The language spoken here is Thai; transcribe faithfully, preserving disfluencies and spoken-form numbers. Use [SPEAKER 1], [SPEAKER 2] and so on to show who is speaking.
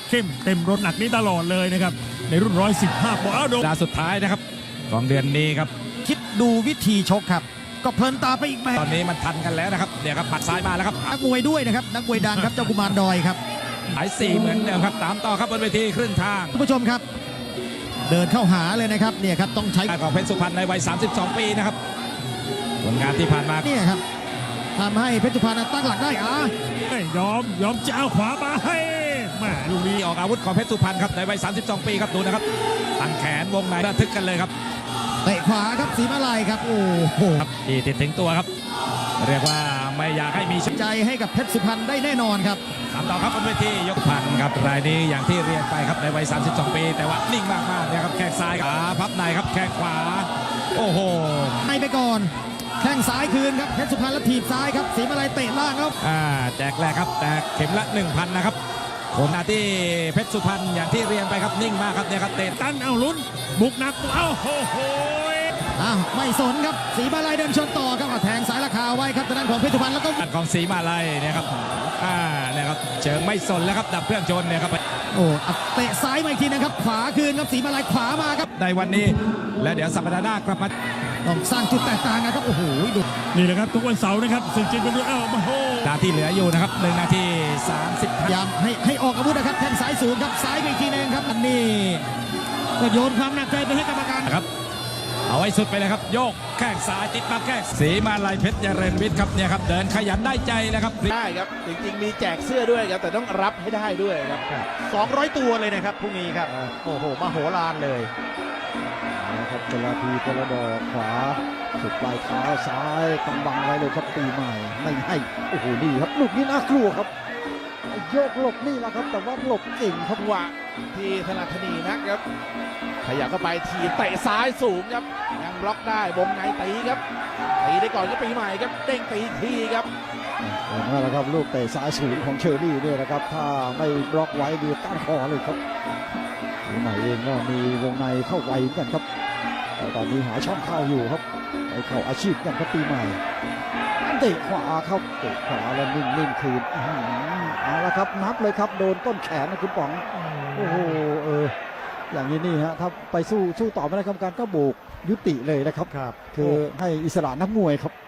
[SPEAKER 1] เข้มเต็มรถหนักนี้ตลอดเลยนะครับในรุ่นร้อยสิบห้าปอนด์อ้าวโดน
[SPEAKER 2] ดาสุดท้ายนะครับของเดือนนี้ครับ
[SPEAKER 3] คิดดูวิธีชกครับก็เพลินตาไปอีกแบบ
[SPEAKER 2] ตอนนี้มันทันกันแล้วนะครับเนี่ยครับปัดซ้ายมาแล้วครับ
[SPEAKER 3] นักมวยด้วยนะครับนักมวยดังครับเจ้ากุมารดอยครับ
[SPEAKER 2] หายสี่เหมือนเดิมครับตามต่อครับบนเวทีครึ่งทาง
[SPEAKER 3] ท่านผู้ชมครับ เดินเข้าหาเลยนะครับเนี่ยครับต้องใช้
[SPEAKER 2] ของเพชรสุพรรณในวัยสามสิบสองปีนะครับผลงานที่ผ่านมา
[SPEAKER 3] เนี่ยครับทำให้เพชรสุพรรณตั้งหลักได้อ่ะ
[SPEAKER 1] ไม่ยอมยอมจะเอาขวามาให้แม่ลูกนี้
[SPEAKER 2] ที่ออกอาวุธของเพชรสุพรรณครับในวัยสามสิบสองปีครับดูนะครับตั้งแขนวงในระทึกกันเลยครับ
[SPEAKER 3] เตะขวาครับสีมาลัยครับโอ้โห
[SPEAKER 2] ครับที่ติดถึงตัวครับ เรียกว่าไม่อยากให้มีช
[SPEAKER 3] ใจให้กับเพชรสุพรรณได้แน่นอนครับ
[SPEAKER 2] ตามต่อครับบนเวทียกพันครับรายนี้อย่างที่เรียนไปครับในวัยสามสิบสองปี แต่ว่านิ่งมากๆนะครับแข้งซ้ายขาพับในครับแข้งขวาโอ้โห
[SPEAKER 3] ให้ไปก่อนแข้งซ้ายคืนครับเพชรสุพรรณแล้วถีบซ้ายครับสีมาลัยเตะล่างครับ
[SPEAKER 2] อ่าแจกแรกครับแตกเข็มละ หนึ่งพัน นะครับผลหน้าที่เพชรสุพรรณอย่างที่เรียนไปครับนิ่งมากครับเนี่ยครับเตะ
[SPEAKER 1] ตันเอาลุ้นบุกหนักเอ้าโหโห
[SPEAKER 3] อ้าวไม่สนครับสีมาลัยเดินชนต่อครับเอาแทงสายราคาไว้ครับทางด้านของเพชรสุพรรณแล้วก็
[SPEAKER 2] ของสีมาลัยเนี่ยครับอ่าเนี่ยครับเชิงไม่สนแล้วครับดับเครื่องชนเนี่ยครับ
[SPEAKER 3] โอ้เอาเตะซ้ายมาอีกทีนะครับขวาคืนครับสีมาลัยขวามาครับ
[SPEAKER 2] ในวันนี้และเดี๋ยวสัปดาห์หน้ากลับมา
[SPEAKER 3] ต้องสร้างจุดแตกต่างนะครับโอ้โหดู
[SPEAKER 1] นี่แหละครับทุกวันเสาร์นะครับศึกจิตวิญญาณเอ้าโอ้โห
[SPEAKER 2] นาทีเหลืออยู่นะครับหนึ่งนาทีสามสิบ
[SPEAKER 3] พยายามให้ให้ออกอาวุธนะครับแทงซ้ายสูงครับซ้ายไปอีกทีหนึงครับอันนี้ก็โยนความหนักใจไปให้กรรมการ
[SPEAKER 2] นะครับเอาไว้สุดไปเลยครับโยกแข้งซ้ายติดมาแข้งสีมาลัยเพชรเจริญวิทย์ครับเนี่ยครับเดินขยันได้ใจเลยครับ
[SPEAKER 4] ได้ครับจริงๆมีแจกเสื้อด้วยครับแต่ต้องรับให้ได้ด้วยครับ
[SPEAKER 3] สองร้อยตัวเลยนะครับพรุ่งนี้ครับโอ้โหมโหฬารเลย
[SPEAKER 5] นะครับเวลาทีกระดอกขวาสุดปลายเท้าซ้ายกำบังไว้เลยครับปีใหม่ไม่ให้โอ้โหนี่ครับลูกนี้น่ากลัวครับโยกหลบนี่แหละครับแต่ว่าหลบเก่งครับ
[SPEAKER 4] จังหวะที่ธนาธนีนะครับขยับเข้าไปทีบเตะซ้ายสูงครับยังบล็อกได้วงในตีครับตีได้ก่อนก็ปีใหม่ครับเด้งตีอีกทีครับ
[SPEAKER 5] นั่นแหละครับลูกเตะซ้ายสูงของเชอรี่เนี่ยนะครับถ้าไม่บล็อกไว้ดีต้านคอเลยครับปีใหม่เองก็มีวงในเข้าไวเหมือนกันครับแต่ตอนนี้หาช่องเข้าอยู่ครับไปเข้าอาชีพกันครับปีใหม่เตะขวาครับเตะขวาแล้วนิ่งนิ่งคืนอื้อหือเอาละครับนับเลยครับโดนต้นแขนนะคุณป๋องโอ้โหเอออย่างนี้นี่ฮะถ้าไปสู้สู้ต่อไม่ได้กรรมการก็โบกยุติเลยนะครับ
[SPEAKER 3] ครับ
[SPEAKER 5] คือให้อิสระนักมวยครับ